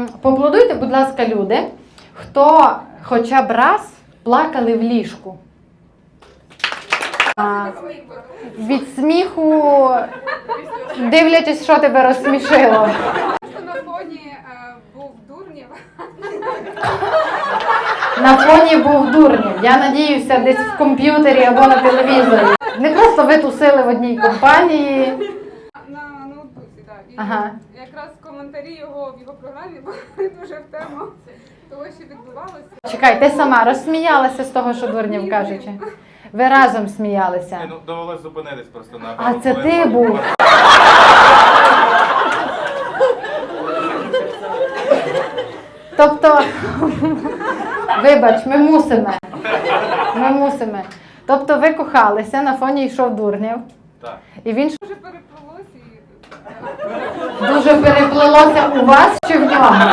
Поаплодуйте, будь ласка, люди, хто хоча б раз плакали в ліжку. Від сміху, дивлячись, що тебе розсмішило. На фоні був Дурнєв. На фоні був Дурнєв. Я надіюся, десь в комп'ютері або на телевізорі. Не просто ви тусили в одній компанії. На ноутбуці, так. І Ага. якраз коментарі його в його програмі були дуже в тему того, що відбувалося. Чекай, ти сама розсміялася з того, що Дурнєв кажучи? Ви разом сміялися. Ну, довелось зупинитись просто на А це ти був? Тобто, вибач, ми мусимо. Ми мусимо. Тобто ви кохалися, на фоні йшов Дурнєв. Так. І він Дуже переплилось і дуже переплилося у вас чи в нього?